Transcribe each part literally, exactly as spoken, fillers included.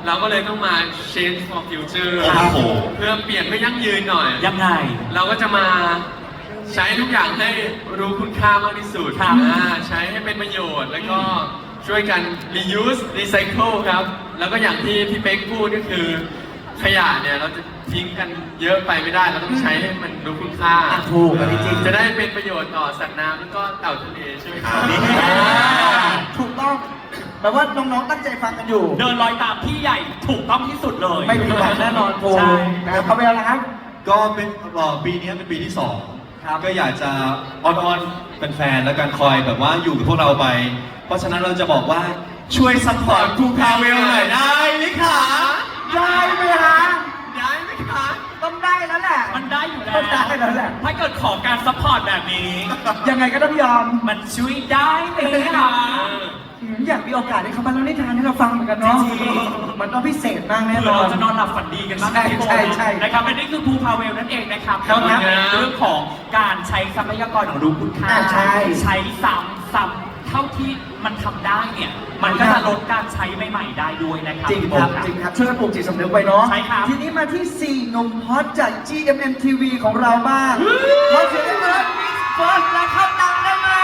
เราก็เลยต้องมา change for future ครับผมเพื่อเปลี่ยนเพื่อยั่งยืนหน่อยยังไงเราก็จะมาใช้ทุกอย่างให้รู้คุณค่ามากที่สุดครับอ่าใช้ให้เป็นประโยชน์ แล้วก็ช่วยกัน reuse recycle ครับ แล้วก็อย่างที่พี่เป๊กพูดก็คือ ขยะเนี่ยเราจะทิ้งกันเยอะไปไม่ได้ เราต้องใช้ให้มันรู้คุณค่าอ่ะถูกอันนี้จริงจะได้เป็นประโยชน์ต่อสัตว์น้ำแล้วก็เต่าทะเลใช่ไหมครับนี่ถูกต้องแปลว่าน้องๆตั้งใจฟังกันอยู่เดินรอยตามพี่ใหญ่ถูกต้องที่สุดเลยไม่ผิดหวังแน่นอนภูใช่นะครับเอาไปแล้วนะครับก็เป็นเอ่อปีนี้เป็นปีที่สองครับก็อยากจะอ้อนๆเป็นแฟนๆแล้วกันคอยแบบว่าอยู่กับพวกเราไป เพราะฉะนั้นเราจะบอกว่าช่วยซัพพอร์ตครูพาเวลหน่อยได้ไหมคะได้ไหมคะย้ายไหมคะต้องได้แล้วแหละมันได้อยู่แล้วมันได้แล้วแหละถ้าเกิดขอการซัพพอร์ตแบบนี้ยังไงก็ต้องยอมมันช่วยได้ไหมคะอืมอยากมีโอกาสได้เข้ามาเล่านิทานให้เราฟังเหมือนกันเนาะจริงมันต้องพิเศษมากแน่เพื่นออนเราจะนอนหลับฝันดีกันบ้างใช่ใช่ใช่นะครับและนี่คือภูพาเวลนั่นเองนะครับครับแล้วก็เรื่องของการใช้ทรัพยากรของรู้คุณค่าอ่าใช่ใช้ซ้ำซ้ำเท่าที่มันทำได้เนี่ย มันก็จะลดการใช้ใหม่ๆได้ด้วยนะครับจริงพี่คโบ๊รับทจริงครับช่วยกันปลูกจิตสำนึกไว้เนาะใช่ครับทีนี้มาที่สี่หนุ่มฮอตจาก จี เอ็ม เอ็ม ที วี ของเราบ้างขอเสียงให้เบิร์ดมิกซ์เฟิร์สและเข้าตังได้ไหม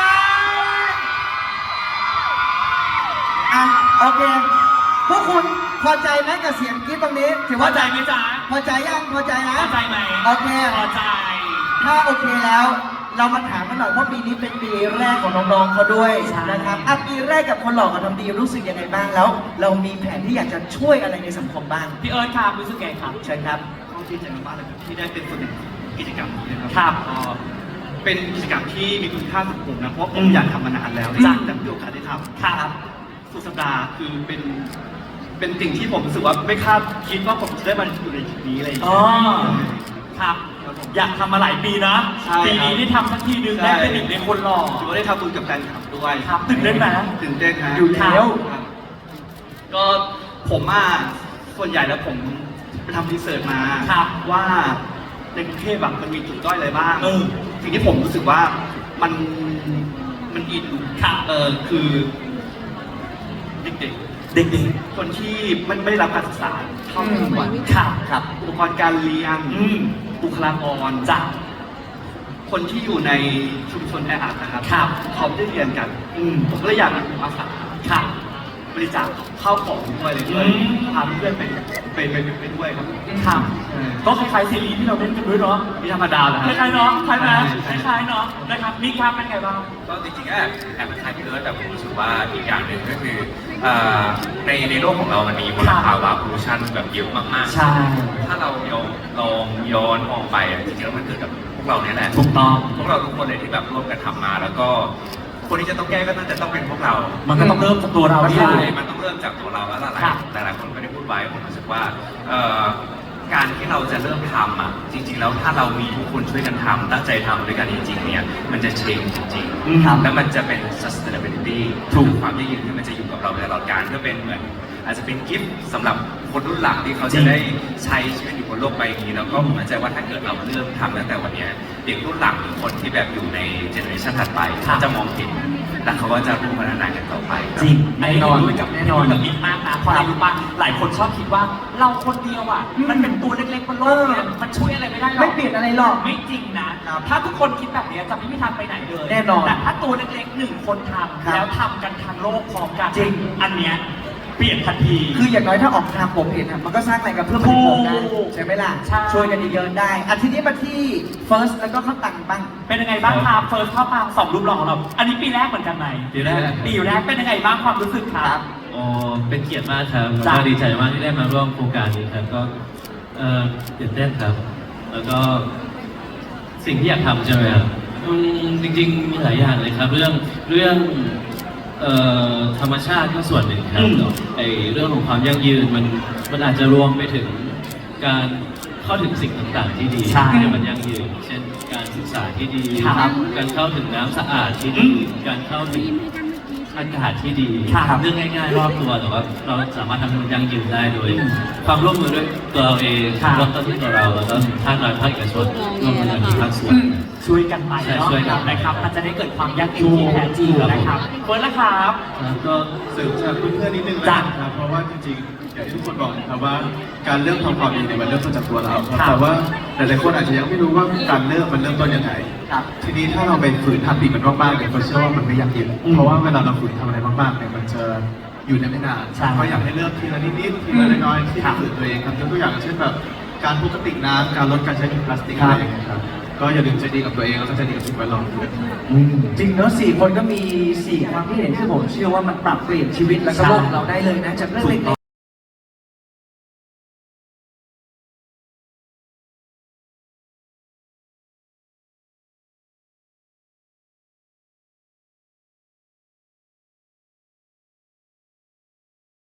อ่ะโอเคพวกคุณพอใจไหมกับเสียงกรี๊ดตรงนี้ถือพอว่าใจไหมจ๊ะพอใจยังพอใจนะพอใจไหมโอเคพอใจถ้าโอเคแล้ว เรามาถามกันหน่อยเพราะปีนี้เป็นปีแรกของน้องๆเขาด้วยใช่นะครับอ่ะปีแรกกับคนหล่อกับทำดีรู้สึกยังไงบ้างแล้ว เรามีแผนที่อยากจะช่วยอะไรในสังคมบ้างพี่เอิร์ธครับรู้สึกไงครับเชิญครับต้องดีใจมากๆเลยครับที่ได้เป็นส่วนหนึ่งของกิจกรรมนี้นะครับครับก็เป็นกิจกรรมที่มีคุณค่าสำหรับผมนะเพราะผอืมมอยากทำมานานแล้วจ้ะแต่ไม่มีโอกาสได้ทำครับสุดสัปดาห์คือเป็นเป็นสิ่งที่ผมรู้สึกว่าไม่คาดคิดว่าผมจะได้มาอยู่ในจุดนี้อะไรอย่างอ๋อเงี้ยครับ อยากทำมาหลายปีนะใช่ปีนี้ได้ทำสักทีนึงได้เป็นหนึ่งในคนหล่อถือว่าได้ทำบุญกับแฟนคลับด้วยครับตื่นเต้นไหมตื่นเต้นฮะอยู่แล้วครับก็ผมอ่ะส่วนใหญ่แล้วผมไปทำรีเสิร์ชมาครับว่าในกรุงเทพแบบมันมีจุดด้อยอะไรบ้างเออสิ่งที่ผมรู้สึกว่ามันมันอินครับเออคือเด็กเด็กๆ คนที่ไม่ไม่ได้รับการศึกษาเท่าที่ควรๆครับครับอุปกรณ์การเรียนอืมบุคลากรจ้ะคนที่อยู่ในชุมชนแออัดนะครับครับเขาไม่ได้เรียนกันอืมผมก็เลยอยากมีอาสาครับบริจาคข้าวของด้วยเลยด้วยอืมพาเพื่อนไปไปไปไปด้วยครับครับใช่ก็คล้ายๆซีรีส์ที่เราเล่นกันด้วยเนาะนี่ธรรมดาเหรอคฮะล้ายๆเนาะคล้ายไหมคใช่ล้ายๆเนาะนะครับนี่ครับเป็นไงบ้างก็จริงๆก็แอบแอบคล้ายพี่เอิร์ธแต่ผมรู้สึกว่าอีกอย่างหนึ่งก็คือเอ่อในในโลกของเรามันมีมลภาวะพลูชันแบบเยอะมากๆใช่ถ้าเราลองลองย้อนมองไปอ่ะจริงๆแล้วมันเกิดกับพวกเราเนี่ยแหละถูกต้องพวกเราทุกคนเลยที่แบบร่วมกันทำมา แล้วก็คนที่จะต้องแก้ก็น่าจะต้องเป็นพวกเรามันก็ต้องเริ่มจากตัวเราใช่ด้วยมันต้องเริ่มจากตัวเราแล้วหลายครับหลายหลายคนก็ได้พูดไว้ผมรู้สึกว่าเอ่อการที่เราจะเริ่มทำอ่ะจริง ๆ แล้วถ้าเรามีทุกคนช่วยกันทำตั้งใจทำด้วยกันจริงๆเนี่ยมันจะเชงจริงอืมๆแล้วมันจะเป็น sustainability ถูกความยั่งยืนที่มันจะอยู่กับเราไปตลอดกาลเพื่อเป็นเหมือนอาจจะเป็นกิฟต์สำหรับคนรุ่นหลังที่เขาจะได้ใช้ชีวิตอยู่บนโลกใบนี้แล้วก็ผมมั่นใจว่าถ้าเกิดเราเริ่มทำตั้งแต่วันเนี้ยเด็กรุ่นหลังหรือคนที่แบบอยู่ในเจเนอเรชันถัดไปเขาจะมองเห็นและเขาก็จะร่วมพัฒนากันต่อไปคบจริงแน่นอนด้วยกับแน่นอนกับมิกมากนะเพราะอะไรรู้ป่ะหลายคนชอบคิดว่าเราคนเดียวอ่ะ มันเป็นตัวเล็กๆบนโลกเนี่ยมันช่วยอะไรไม่ได้หรอกไม่เปลี่ยนอะไรหรอกไม่จริงนะครับ ถ้าทุกคนคิดแบบนี้จะไม่มีทางไปไหนเลยแน่นอนแต่ถ้าตัวเล็กๆหนึ่งคนทครับำแล้วทำกันทั้งโลกพร้อมกันจริงอันเนี้ยเปลี่ยนทันทีคืออย่างน้อยถ้าออกทางผมเห็นอะมันก็สร้างแรงกระเพื่อมให้ผมได้ถูกใช่ไหมล่ะใช่ช่วยกันเยอะๆได้อาทีนี้มาที่ first แล้วก็ข้าวตังบ้างเป็นยังไงบ้างครับเฟิร์สเข้ามาสองรูปหล่อของเรา อันนี้ปีแรกเหมือนกันไหมปีแรกปีแรกเป็นยังไงบ้างความรู้สึกครับโอ้เป็นเกียรติมากครับแล้วจ้ะก็ดีใจมากที่ได้มาร่วมโครงการนี้ครับก็เอ่อตื่นเต้นครับ แล้วก็สิ่งที่อยากทำใช่ไหมครับอืมจริงๆมีหลายอย่างเลยครับ เรื่องเรื่องเอ่อธรรมชาติก็ส่วนหนึ่งครับอืมไอเรื่องของความยั่งยืนมันมันอาจจะรวมไปถึงการเข้าถึงสิ่งต่างๆที่ดีใช่ให้มันยั่งยืน เช่นการศึกษาที่ดีครับการเข้าถึงน้ำสะอาดที่ดี การเข้าถึงอากาศที่ดีครับเรื่องง่ายๆรอบตัวแต่ว่าเราสามารถทำให้มันยั่งยืนได้โดย ความร่วมมือด้วยตัวเราเองครับเริ่มต้นที่ตัวเราแล้วก็ภาครัฐภาคเอกชนร่วมมือกันทุกภาคส่วนช่วยกันไปใช่เนาะช่วยกันไปนะครับมันจะได้เกิดความยั่งยืนที่แท้จริงนะครับเฟิร์สละครับแล้วก็เสริมจากเพื่อนๆนิดนึงจ้ะนะครับเพราะว่าจริงๆอย่างที่ทุกคนบอกนะครับว่าการเริ่มทำความดีเนี่ยมันเริ่มต้นจากตัวเราครับครับแต่ว่าหลายๆคนอาจจะยังไม่รู้ว่าการเริ่มมันเริ่มต้นยังไงครับทีนี้ถ้าเราไปฝืนทำดีมันมากๆเนี่ยเขาเชื่อว่ามันไม่ยั่งยืนเพราะว่าเวลาเราฝืนทำอะไรมากๆเนี่ยมันจะอยู่ได้ไม่นานใช่ก็อยากให้เริ่มทีละนิดๆทีละน้อยๆที่ครับฝืนตัวเองครับยกตัวอย่างเช่นแบบการพกกระติกน้ำการลดการใช้ถุงพลาสติกอะไรอย่างเงี้ยครับก็อย่าลืมใจดีกับตัวเองแล้วก็ใจดีกับสิ่งแวดล้อมด้วยจริงเนอะสี่คนก็มีสี่ความคิดเห็นที่ผมเชื่อว่ามันปรับเปลี่ยนชีวิตแล้วก็โลกเราได้เลยนะจากเรื่องเล็กๆ